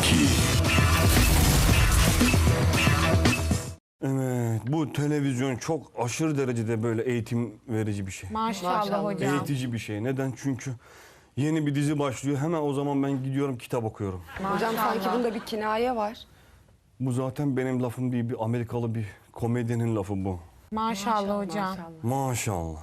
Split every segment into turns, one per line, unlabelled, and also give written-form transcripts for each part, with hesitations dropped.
Evet, bu televizyon çok aşırı derecede böyle eğitim verici bir şey.
Maşallah hocam.
Eğitici bir şey. Neden? Çünkü yeni bir dizi başlıyor. Hemen o zaman ben gidiyorum kitap okuyorum.
Hocam sanki bunda bir kinaye var.
Bu zaten benim lafım değil, bir Amerikalı bir komedyenin lafı bu.
Maşallah hocam.
Maşallah.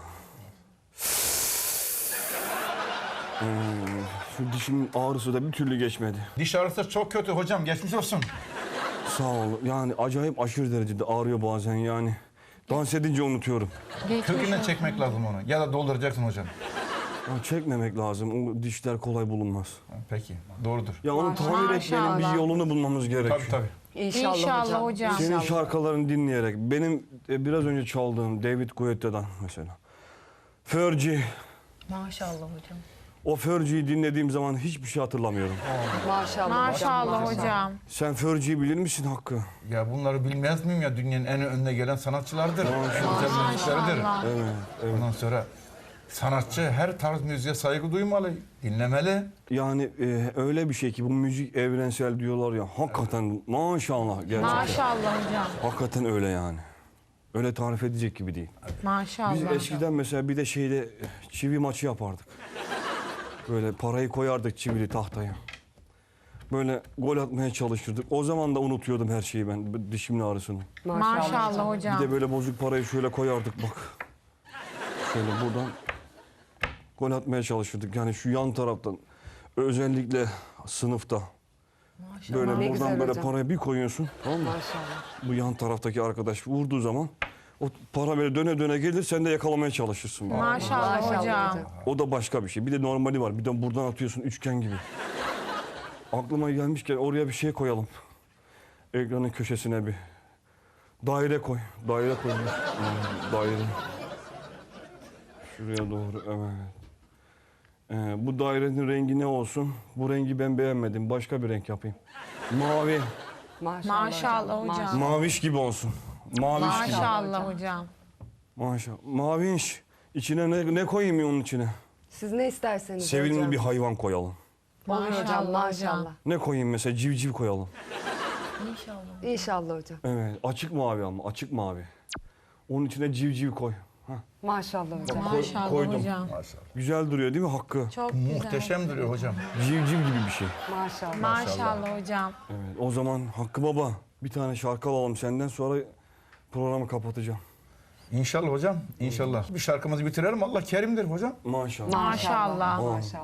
Şu dişimin ağrısı da bir türlü geçmedi.
Diş ağrısı çok kötü hocam. Geçmiş olsun.
Sağ ol. Yani acayip aşırı derecede ağrıyor bazen yani. Dans edince unutuyorum.
Kökünden çekmek lazım onu. Ya da dolduracaksın hocam.
Ya çekmemek lazım. O dişler kolay bulunmaz.
Peki. Doğrudur.
Ya onu tamir etmenin bir yolunu bulmamız gerekiyor.
Tabii tabii.
İnşallah hocam.
Senin şarkılarını dinleyerek, benim biraz önce çaldığım David Guetta'dan mesela. Fergie,
Maşallah hocam.
o Fergie'yi dinlediğim zaman hiçbir şey hatırlamıyorum.
Maşallah.
Maşallah hocam.
Sen Fergie'yi bilir misin Hakkı?
Ya bunları bilmez miyim ya? Dünyanın en önüne gelen sanatçılardır. Güzel müzikleridir.
Evet.
Ondan sonra sanatçı her tarz müziğe saygı duymalı, dinlemeli.
Yani öyle bir şey ki bu müzik evrensel diyorlar ya. Hakikaten maşallah gerçekten.
Maşallah hocam.
Hakikaten öyle yani. Öyle tarif edecek gibi değil.
Maşallah.
Biz eskiden mesela bir de şeyde çivi maçı yapardık. Böyle parayı koyardık çivili tahtaya. Böyle gol atmaya çalışırdık. O zaman da unutuyordum her şeyi ben, dişimin ağrısını.
Maşallah hocam.
Bir de böyle bozuk parayı şöyle koyardık bak. Şöyle buradan gol atmaya çalışırdık. Yani şu yan taraftan özellikle sınıfta. Böyle
Ne
buradan
güzel
böyle
hocam.
parayı bir koyuyorsun, tamam mı?
Maşallah.
Bu yan taraftaki arkadaş vurduğu zaman o para böyle döne döne gelir, sen de yakalamaya çalışırsın.
Maşallah hocam.
O da başka bir şey. Bir de normali var. Bir de buradan atıyorsun üçgen gibi. Aklıma gelmişken oraya bir şey koyalım. Ekranın köşesine bir daire koy. Daire koy. Daire. Şuraya doğru, evet. Bu dairenin rengi ne olsun? Bu rengi ben beğenmedim. Başka bir renk yapayım. Mavi.
Maşallah hocam.
Maviş gibi olsun. Maviş gibi.
Maşallah hocam.
Maşallah. Maviş. İçine ne koyayım ya onun içine?
Siz ne isterseniz
Sevimli
hocam.
bir hayvan koyalım.
Olur hocam
Maşallah
maşallah.
Ne koyayım mesela? Civciv koyalım.
İnşallah hocam.
Evet. Açık mavi ama. Açık mavi. Onun içine civciv koy. Hah.
Maşallah hocam.
Maşallah
koydum.
hocam.
Maşallah.
Güzel duruyor değil mi Hakkı?
Çok güzel.
Muhteşem duruyor hocam.
Civciv gibi bir şey.
Maşallah.
Maşallah hocam.
Evet. O zaman Hakkı Baba bir tane şarkı alalım senden, sonra programı kapatacağım.
İnşallah hocam. İnşallah. Bir şarkımızı bitirelim. Allah kerimdir hocam.
Maşallah.
Maşallah.
Maşallah.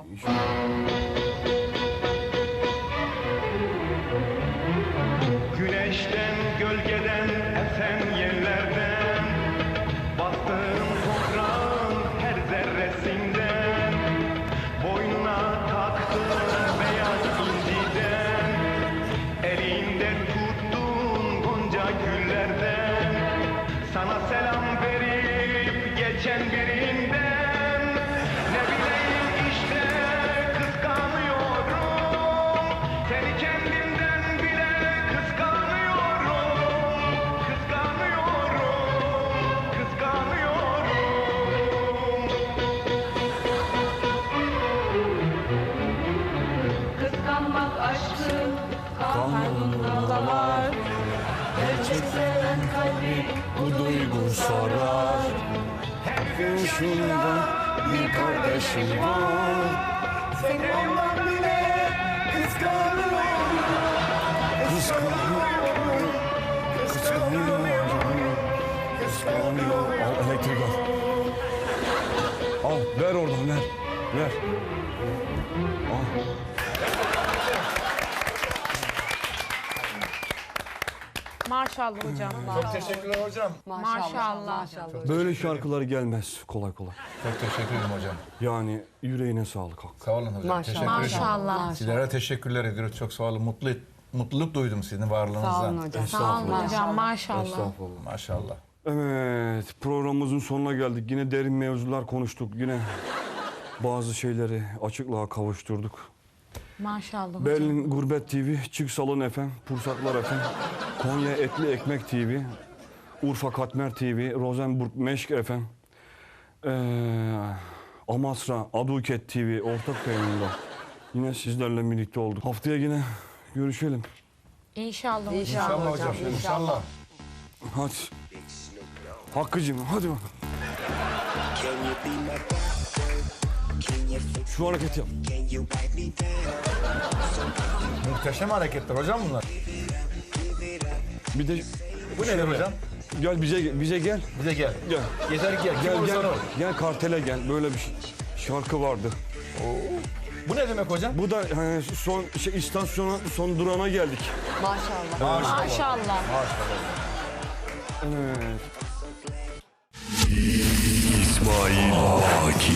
Güneşten, gölgeden, esen yerlerden, bastığın toprağın her zerresinden, boynuna taktığın beyaz inciden, elinde tuttuğun gonca güllerden, sana selam verip geçen birinden, ne bileyim işte kıskanıyorum, seni kendimden bile kıskanıyorum, kıskanıyorum, kıskanıyorum.
Kıskanmak aşkın kanında var. Gerçek seven kalbi
Bu duygu sarar. Şunda bir kardeşim var.
seni ondan bile kıskanıyorum.
Kıskanıyorum. Kıskanıyorum. Kıskanıyorum. Al elektrik al. Al ver oradan ver. Ver. Al.
Maşallah hocam.
Çok teşekkürler hocam.
Maşallah.
Maşallah.
Böyle şarkılar gelmez kolay kolay.
Çok teşekkür ederim hocam.
Yani yüreğine sağlık Hakkı.
Sağ olun hocam.
Maşallah.
Teşekkür ederim.
Maşallah.
Sizlere teşekkürler ediyoruz. Çok sağ olun. Mutluluk duydum sizin varlığınızdan.
Sağ olun hocam.
Sağ olun hocam. Maşallah.
Estağfurullah.
Maşallah.
Evet, programımızın sonuna geldik. Yine derin mevzular konuştuk. Yine bazı şeyleri açıklığa kavuşturduk.
Maşallah hocam.
Berlin Gurbet TV, Çık Salon FM, Pursaklar FM, Konya Etli Ekmek TV, Urfa Katmer TV, Rosenburg Meşk FM, Amasra Aduket TV ortak yayınında yine sizlerle birlikte olduk. Haftaya yine Görüşelim.
İnşallah hocam.
İnşallah hocam. İnşallah.
Hadi. Hakkı'cığım hadi bak. Şu hareketi yap.
Muhteşem hareketler hocam bunlar.
Bir de
Bu nedir hocam?
gel bize gel.
Bize gel.
Gel.
Yeter gel. Kim
Gel
olursan
gel.
ol.
Gel kartele gel. Böyle bir şarkı vardı.
Bu ne demek hocam?
Bu da son istasyona son durağına geldik.
Maşallah.
Maşallah.
Evet.
İsmail Aki.